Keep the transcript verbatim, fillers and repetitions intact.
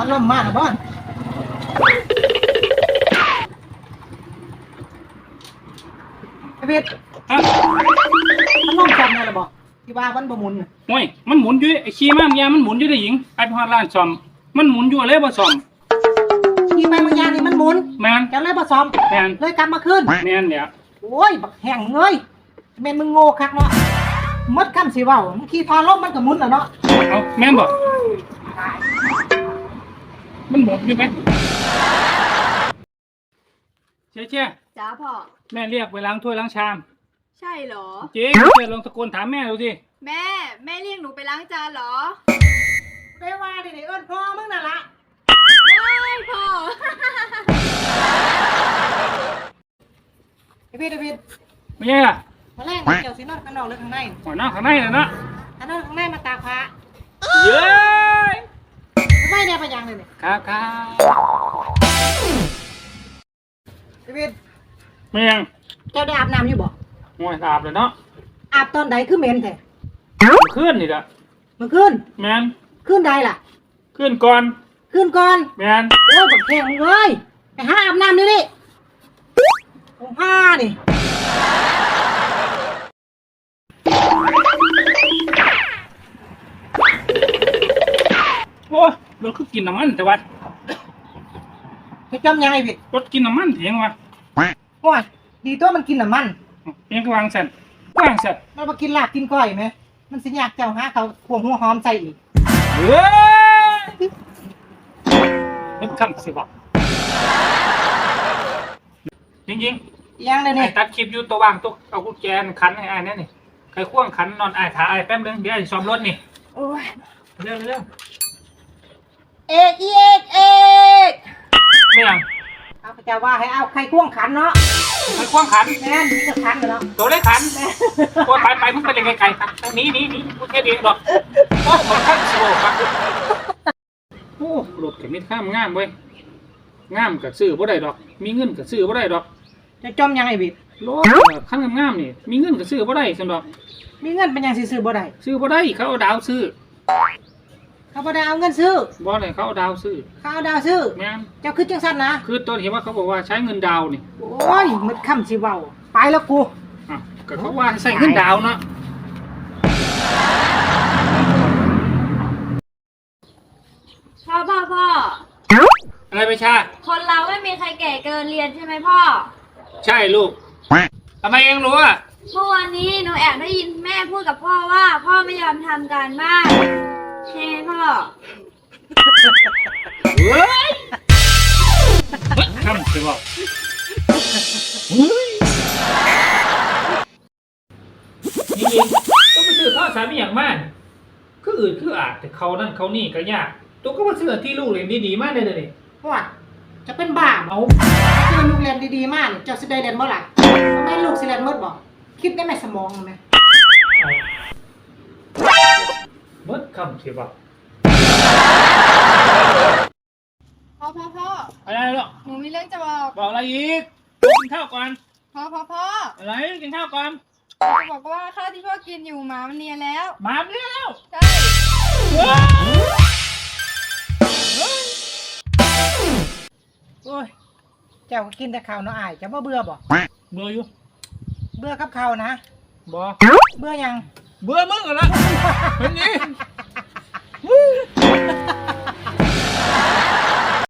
พัดลมมากนะบ้านไอ้เพชรฮะพัดลมจำไงล่ะบอกที่ว่าวันประมุนน่ะโอ้ยมันหมุนอยู่ไอ้ขี้มากยามันหมุนอยู่ได้หญิงไปพอดร้านซ่อมมันหมุนอยู่เลยบ่ซ่อมขี่ไปบางอย่างนี่มันหมุนแมนจะเลยผสมแมนเลยกลับมาขึ้นแมนเนี่ยโอ้ยบักแห้งเงยแม่นมึงโง่คักเนาะมดคำสิเว้ามึงขี่ทอลมมันก็หมุนแล้วเนาะเอาแมนบ่มันหมุนอยู่ไหมเชี่ยเชี่ยจ้าพ่อแม่เรียกไปล้างถ้วยล้างชามใช่เหรอเจ๊เจ๊ลองตะโกนถามแม่ดูสิแม่แม่เรียกหนูไปล้างจานเหรอได้ว่าดิเอิ้นพ่อมึงน่ะละไม่พ่อไอ้พี่ไอ้พี่ไม่ใช่ล่ะมาแรกเกี่ยวสินอนข้างนอกหรือข้างในหัวหน้าข้างในเลยนะถ้านอนข้างในมาตากผ้าเย้ยไม่ได้ไปยังเลยเนี่ยครับครับไอ้พี่ไม่ยังเจ้าได้อาบน้ำอยู่บ่โอ้ยอาบเลยเนาะอาบตอนใดคือเหม็นแท้ขึ้นนี่ละเมื่อคืนแมนคืนใดล่ะขึ้นก่อนคืนก่อนแมนโอ้ยบักแห้งเอ้ยไปหาอาบน้ำนี่ดิผมผ้านี่โอ้ยรถคือกินน้ำมันแต่ว่าไปจำยังไงพี่รถกินน้ำมันเถียงวะโอ้ยดีตัวมันกินน้ำมันเถียงก็วางเสร็จวางเสร็จมันมากินลาบกินก้อยไหมมันสิอยากเจ้าหาเขาพวงหัวหอมใส่อีกเฮ้ยนึกคำสิบอกจริงยังเลยๆไอ้เนี่ยตัดคลิปอยู่ตัววางตัวเอากุญแจขันให้ไอ้เนี่ยนี่ใครควงขันนอนไอ้ถ่ายไอ้แป๊บนึงเดี๋ยวไอ้ซ้อมรถนี่โอ้ยเร็วเร็วเอกอีเอกเอกไม่ยังเอาพระเจ้าว่าให้เอาใครควงขันเนาะใครควงขันแม่นนี่จะขันเหรอเนาะตัวเล็กขันโอ้ยไปไปมึงไปเล่นไกลๆครับหนีหนีหนีกูแค่เดียวดอกโอ้ยมันขั้นโซ่ครับโอ้รถเข็มนิดข้ามงามเว้ยงามกับซื้อบ่ได้ดอก มีเงินกับซื้อบ่ได้ดอกจะจมยังไงบิดรถขั้นงามๆนี่มีเงินกับซื้อบ่ได้ซั่นดอกมีเงินเป็นยังสิซื้อบ่ได้ซื้อบ่ได้เขาเอาดาวซื้อเขาบ่ได้เอาเงินซื้อบ่ได้เขาเอาดาวซื้อเขาเอาดาวซื้อแม่นเจ้าคือจังสั้นนะคือตอนเห็นว่าเขาบอกว่าใช้เงินดาวนี่โอ้ยมึดคำสิเว้าไปแล้วกูอ่ะก็เขาว่าใช้เงินดาวเนาะพ่อพ่อพ่ออะไรไปชาคนเราไม่มีใครแก่เกินเรียนใช่ไหมพ่อใช่ลูกทำไมเองรู้อ่ะเมื่อวานนี้หนูแอบได้ยินแม่พูดกับพ่อว่าพ่อไม่ยอมทำการบ้านใช่ไหมพ่อเฮ้ยทำสิบอกจริงๆต้องไปซื้อข้าวสารไม่อย่างมากคืออื่นคืออาจแต่เขานั่นเขานี่ก็ยากตัวก็มาซื้อที่ลูกเรียนดีๆมากเลยเลยเพราะว่าจะเป็นบ้าเอาเจอลูกเรียนดีๆมากเจ้าสิได้เรียนบ่ล่ะทำไมลูกสิเรียนหมดบ่คิดได้ไหมสมองไหมมดคำสิบอกพ่อพ่อพ่ออะไรหรอกหนูมีเรื่องจะบอกบอกอะไรอีกกินข้าวก่อนพ่อพ่อพ่ออะไรกินข้าวก่อนจะบอกว่าข้าวที่พ่อกินอยู่หมามันเนียนแล้วมาเร็วใช่โอ้ยเจ้าก็กินแต่ข้าวเนาะอายเจ้าบ่เบื่อบ่เบื่ออยู่เบื่อกับข้าวนะบ่เบื่อยังเบื่อมึงเหรอละเป็นนี้